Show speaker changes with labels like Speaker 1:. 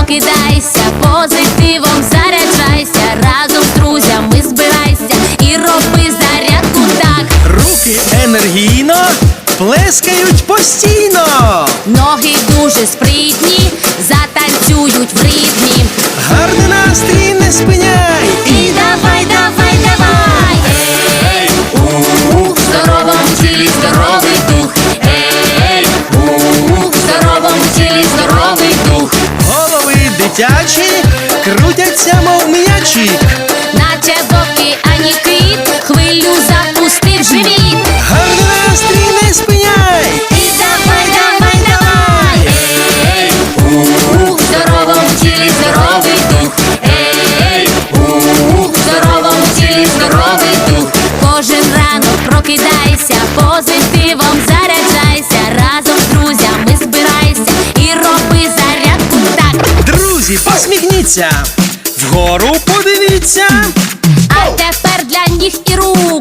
Speaker 1: прокидайся, позитивом заряджайся, разом з друзями збирайся і роби зарядку так.
Speaker 2: Руки енергійно плескають постійно.
Speaker 1: Ноги дуже спритні, затанцюють в ритмі.
Speaker 2: Гарний настрій не спиняй.
Speaker 1: І давай, давай, давай. Ей, у здоровому тілі здоровий дух. Ей, у здоровому тілі здоровий дух.
Speaker 2: Голови дитячі крутяться, мов м'ячі.
Speaker 1: Наче в океані кит, хвилю запустив живіт.
Speaker 2: Гарний настрій не спиняй.
Speaker 1: І давай, давай, давай. Ей, у здоровому тілі здоровий дух. Ей, у здоровому тілі здоровий дух. Кожен ранок прокидайся, позитивом заряджайся, разом з друзями збирайся і роби зарядку так.
Speaker 2: Друзі, посміхніться, вгору подивіться.
Speaker 1: А тепер для ніг і рук